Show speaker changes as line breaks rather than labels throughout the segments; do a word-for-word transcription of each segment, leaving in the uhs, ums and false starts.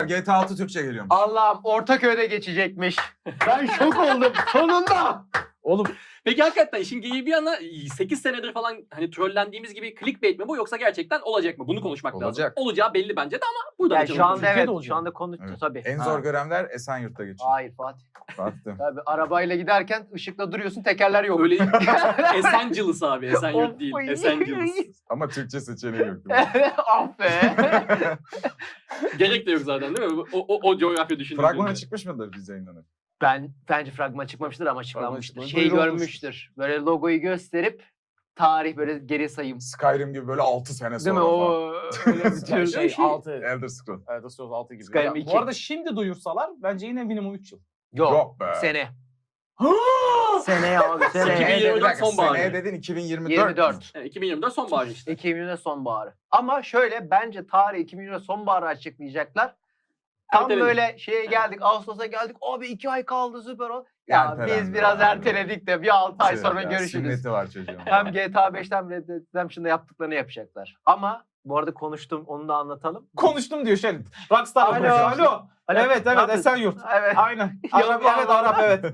G T A altı Türkçe geliyormuş.
Allah'ım Ortaköy'de geçecekmiş. Ben şok oldum sonunda.
Oğlum
Peki hakikaten işin geyiği bir yana sekiz senedir falan hani trollendiğimiz gibi clickbait mi bu yoksa gerçekten olacak mı? Bunu konuşmak
Olacak.
lazım. Olacağı belli bence de ama burada
Yani
da
şu anda
Türkiye'de
evet,
olacak.
şu anda konuştu
Evet.
tabii.
En
Ha.
zor görevler Esenyurt'ta geçiyor.
Hayır Fatih.
Baktım.
Tabii arabayla giderken ışıkla duruyorsun, tekerler yok.
öyle Esenciles abi. Esenyurt değil.
Of.
Esenciles.
Ama Türkçe seçeneği yok.
Ah be.
Gerek de yok zaten değil mi? O, o, o coğrafya düşündüğünde.
Fragmana çıkmış mıdır biz yayınlanır?
Ben bence fragman çıkmamıştır ama açıklanmıştır.
çıkmamış.
Şey
Duyurulmuş.
görmüştür. Böyle logoyu gösterip tarih böyle geri sayım.
Skyrim gibi böyle altı sene
Değil
sonra
mi?
falan.
O öyle bir tür.
şey altı.
Elder Scrolls.
Evet, Scrolls altı gibi.
Skyrim
Ya,
iki.
bu arada şimdi duyursalar bence yine minimum üç yıl.
Yok.
Yok be.
Sene. Sene abi
iki bin
sene.
yirmi
Seneye, bir dakika,
sonbaharı.
seneye dedin iki bin yirmi dört.
yirmi dört.
Evet, iki bin yirmi dört sonbahar işte.
iki bin yirmi sonbaharı. Ama şöyle bence tarih iki bin yirmi sonbaharı açıklayacaklar. Tam
Erteledik.
böyle şeye geldik, Ağustos'a geldik. Abi iki ay kaldı süper ol. Ya
Ertelendi
biz biraz
abi.
erteledik de bir altı ay
Şey
sonra
ya,
görüşürüz.
Sünneti var çocuğun.
Hem G T A beşten Red Dead Redemption'da yaptıklarını yapacaklar. Ama bu arada konuştum, onu da anlatalım.
Konuştum diyor şey. Rockstar
Alo.
konuşuyor. Alo.
Alo.
Evet
Ne
evet
yapıyorsun?
Esenyurt.
Evet.
Aynen.
Ya,
Arap,
ya,
evet
ya.
Arap evet.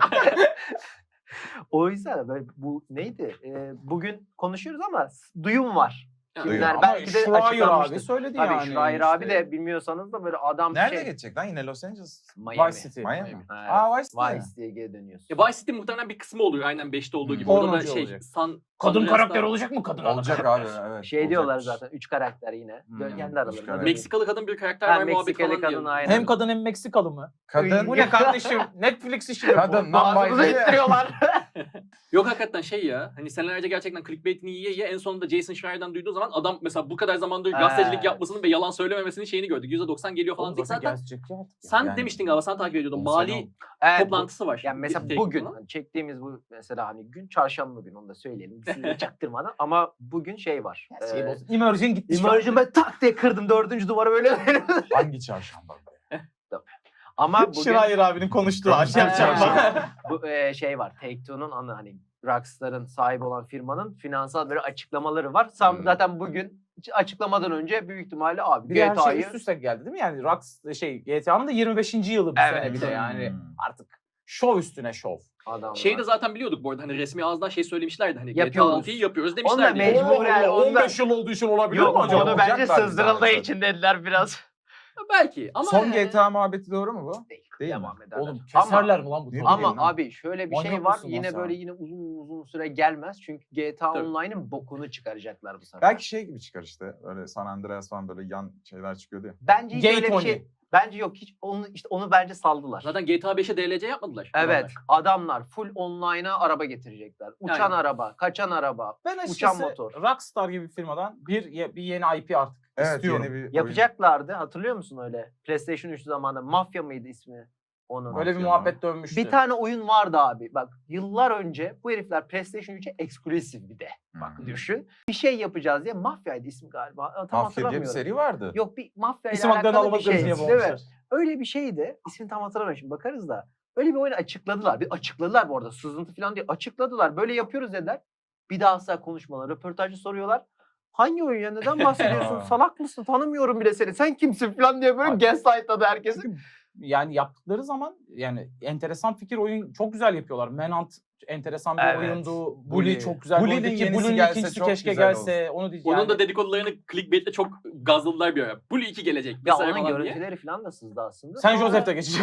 O yüzden böyle bu neydi? Ee, bugün konuşuyoruz ama s- duyum var.
Yani
Kimler
Ama
belki de
Schreier
açıklanmıştır.
abi söyledi
Tabii
yani.
Schreier abi
işte.
de bilmiyorsanız da böyle adam
Nerede
şey.
geçecek lan? Yine Los Angeles.
Miami.
Vice City.
Miami.
Ha,
Aa, Vice City.
Vice diye geri dönüyorsun.
E, Vice City muhtemelen bir kısmı oluyor aynen beşte olduğu gibi.
Hmm.
Orada da
Pornocu
şey
olacak.
San
Kadın
Andreas'ta-
karakter olacak mı kadın?
Olacak abi evet.
Şey
olacak.
diyorlar zaten üç karakter yine.
Hmm,
Böyle kendi
üç
aralarında.
karakter.
Meksikalı kadın bir karakter
Ha,
var muhabbet
Meksikalı
falan
kadın
diyor.
aynen.
Hem kadın hem Meksikalı mı?
Kadın.
Bu ne kardeşim? Netflix işi mi bu?
Kadın.
Ağzımıza
Non-binary.
ittiriyorlar.
Yok hakikaten şey ya hani senelerce gerçekten clickbait'ini yiye yiye en sonunda Jason Schreier'dan duyduğu zaman adam mesela bu kadar zamandır gazetecilik
Evet.
yapmasının ve yalan söylememesinin şeyini gördük. yüzde doksan geliyor falan
Oğlum
dedik zaten.
gelecek ya artık.
Sen
Yani-
demiştin galiba sen takip ediyordun.
On
Mali
sene oldu.
Evet, bu-
toplantısı var.
Yani mesela
Tek-
bugün
falan.
hani çektiğimiz bu mesela hani gün çarşamba günü onu da söyleyelim. Size çaktırmadan ama bugün şey var.
Şey
Ee,
olsun. Immersion gitti. şu an.
Immersion ben tak diye kırdım dördüncü duvarı böyle.
Hangi çarşamba?
Ama bugün
Schreier abinin konuştuğu aşağı
Ee,
çarpma.
bu e, şey var. Take-Two'nun anı hani Rockstar'ın sahibi olan firmanın finansal böyle açıklamaları var. Sam
Hmm.
zaten bugün hiç açıklamadan önce büyük ihtimalle abi
Bir de her şey
G T A'yı
üst üste geldi değil mi? Yani Rox şey G T A'nın da yirmi beşinci yılı bu
Evet.
sene bir de yani.
Hmm.
Artık şov üstüne şov.
adamlar.
Şeyi de zaten biliyorduk bu arada hani resmi ağızdan şey söylemişlerdi hani G T A
Yapıyoruz.
altıyı yapıyoruz
Onlar
demişlerdi.
mecbur- Mecburen
Allah Allah,
ondan-
on beş yıl olduğu için olabilir
Yok
mi acaba?
onu bence
Olacaklar
sızdırıldığı
zaten.
için dediler biraz.
Belki ama
Son G T A muhabbeti doğru mu bu?
Değil.
Değil mi?
Devam ederler.
Oğlum
Ama-
keserler mi lan bu
Ne
tabii?
Ama
bileyim lan.
abi şöyle bir şey
Manyak
var.
mısın lan
Yine
sen?
böyle yine uzun uzun süre gelmez. Çünkü G T A
Tabii.
Online'ın bokunu çıkaracaklar bu sefer.
Belki şey gibi çıkar işte. Öyle San Andreas falan böyle yan şeyler çıkıyordu ya.
Bence hiç
Gay
öyle bir
Tony.
şey. Bence yok hiç onu işte onu bence saldılar.
zaten G T A beşe D L C yapmadılar.
Evet,
adamlar.
adamlar full online'a araba getirecekler. Uçan
Aynen.
araba, kaçan araba.
Ben
Uçan
açıkçası
motor.
Rockstar gibi bir firmadan bir, ye- bir yeni I P artık
Evet
istiyorum.
yeni bir oyun.
Yapacaklardı. Hatırlıyor musun öyle? PlayStation üç zamanında Mafya mıydı ismi onun?
Böyle bir
Mafya
muhabbet dönmüştü.
Bir tane oyun vardı abi. Bak yıllar önce bu herifler PlayStation üçe eksklusif bir de. Bak
Hmm.
düşün. Bir şey yapacağız diye Mafya'ydı ismi galiba. Tam
Mafya diye bir
hatırlamıyorum.
seri vardı.
Yok bir Mafya ile
İsim haklarını
alakalı bir
alamadıkları
şey.
diye
Değil mi?
bulmuşlar.
Öyle bir şeydi. İsmini tam hatırlamıyorum şimdi bakarız da. Öyle bir oyunu açıkladılar. Bir açıkladılar bu arada. Sızıntı falan diye açıkladılar. Böyle yapıyoruz dediler. Bir daha asla konuşmalar. Röportajcı soruyorlar. Hangi oyun ya? Neden bahsediyorsun?
Aa.
Salak mısın? Tanımıyorum bile seni. Sen kimsin falan diye böyle
Abi.
gaslightladı herkesi.
Çünkü yani yaptıkları zaman yani enteresan fikir oyun çok güzel yapıyorlar. Manhunt enteresan bir
Evet.
oyundu. Bully,
Bully.
çok güzel bir
Bully'nin
oyundu ki
yenisi
Bully'nin
gelse
ikincisi
çok
keşke
güzel
gelse. Onu diyeceğim.
Onun
Yani,
da dedikodularını clickbait'le çok gazladılar bir ara. Bully iki gelecek.
Ya
vesaire
onun
falan diye.
görüntüleri falan da sızdı aslında.
Sen
Sonra-
Joseph'te geçeceksin.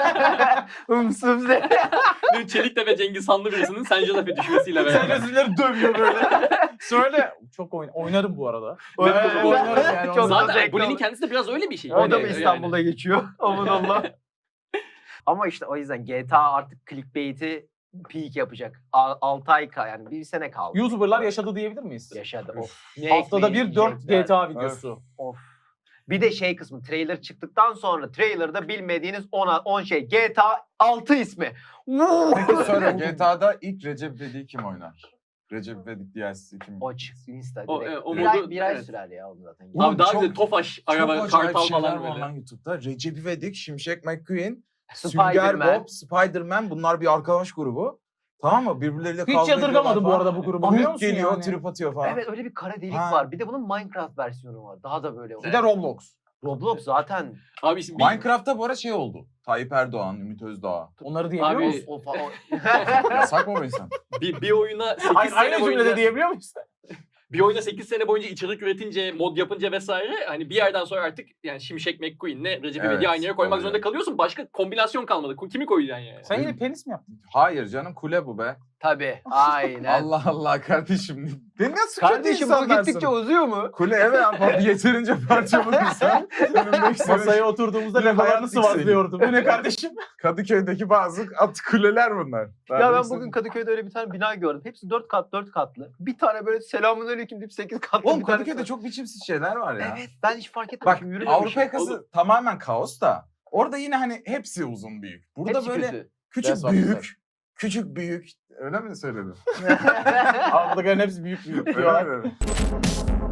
Hımsız.
Bir Çeliktepe Cengiz Hanlı birisinin San Jose'e düşmesiyle
Sen
beraber.
Joseph'leri dövüyor böyle. Söyle. Çok oyun, oynarım bu arada.
Evet.
Ben oynarım yani.
Çok
onu.
da
Zaten
zevkli
Bully'nin
olur.
kendisi de biraz öyle bir şey.
O da
Hani
mı
yani.
İstanbul'da geçiyor? Aman Allah. Ama işte o yüzden G T A artık clickbait'i peak yapacak. altı ay ka yani bir sene kaldı.
YouTuber'lar yaşadı diyebilir miyiz?
Yaşadı.
Üf.
Of. Ne
Haftada bir dört
ekleyecekler.
G T A videosu.
Of. Bir de şey kısmı trailer çıktıktan sonra trailer'da bilmediğiniz on şey G T A altı ismi.
Peki söyle G T A'da ilk Recep İvedik'i kim oynar? Recep İvedik D L C'si kim?
O çıksın Insta
O,
direkt.
e, o
bir,
modu-
ay, bir ay
evet.
sürer ya onu zaten.
Ulan
Abi daha
çok-
güzel Tofaş,
Çok
araba,
acayip
kartal
şeyler
falan
var
böyle.
lan YouTube'da. Recep İvedik, Şimşek McQueen,
Spider-Man.
Sünger Bob, Spider-Man bunlar bir arkadaş grubu. Tamam mı? Birbirleriyle kavga
Hiç yadırgamadım bu
ediyorlar
arada bu grubu
falan.
biliyor
Büyük
musun
geliyor,
yani?
trip atıyor falan.
Evet öyle bir kara delik
Ha.
var. Bir de bunun Minecraft versiyonu var. Daha da böyle.
Bir de Roblox.
Roblox zaten
Abi şimdi bir-
Minecraft'ta bu ara şey oldu. Tayyip Erdoğan, Ümit Özdağ.
Onları diyebiliyor
Abi-
musun?
o falan.
Yasak mı bu insan?
bir, bir oyuna sekiz
Aynı,
sene
aynı cümlede
boyunca
diyebiliyor muyuz?
bir oyuna sekiz sene boyunca içerik üretince, mod yapınca vesaire hani bir yerden sonra artık yani Şimşek McQueen'le Recep
Evet,
İvedik'i aynı yere koymak
oluyor.
zorunda kalıyorsun. Başka kombinasyon kalmadı. Kimi koyacaksın yani?
Sen yine penis mi yaptın?
Hayır canım, kule bu be.
Tabii. Aynen.
Allah Allah kardeşim. Ne nasıl kötü
Kardeşim bu
insanlarsın?
gittikçe uzuyor mu?
Kule evet ama yeterince parça bulursan önümdeki sene
Masaya oturduğumuzda
Bir hayat
legolarını
yükseliyor.
sıvazlıyordum. Bu ne kardeşim?
Kadıköy'deki bazı at kuleler bunlar. Daha
Ya ben
neyse.
bugün Kadıköy'de öyle bir tane bina gördüm. Hepsi dört kat dört katlı. Bir tane böyle selamünaleyküm deyip sekiz katlı
Oğlum
bir tanesi
Kadıköy'de
var.
çok biçimsiz şeyler var ya.
Evet ben hiç fark
Bak
etmemişim. Yürümemişim.
Avrupa yakası tamamen kaos da orada yine hani hepsi uzun büyük. Burada
Hepsi
böyle
kötü.
küçük
Resort
büyük,
güzel.
küçük büyük. Öyle mi söyledim?
Avrupa'dakilerin hepsi büyük büyük
Öyle
diyorlar.
mi?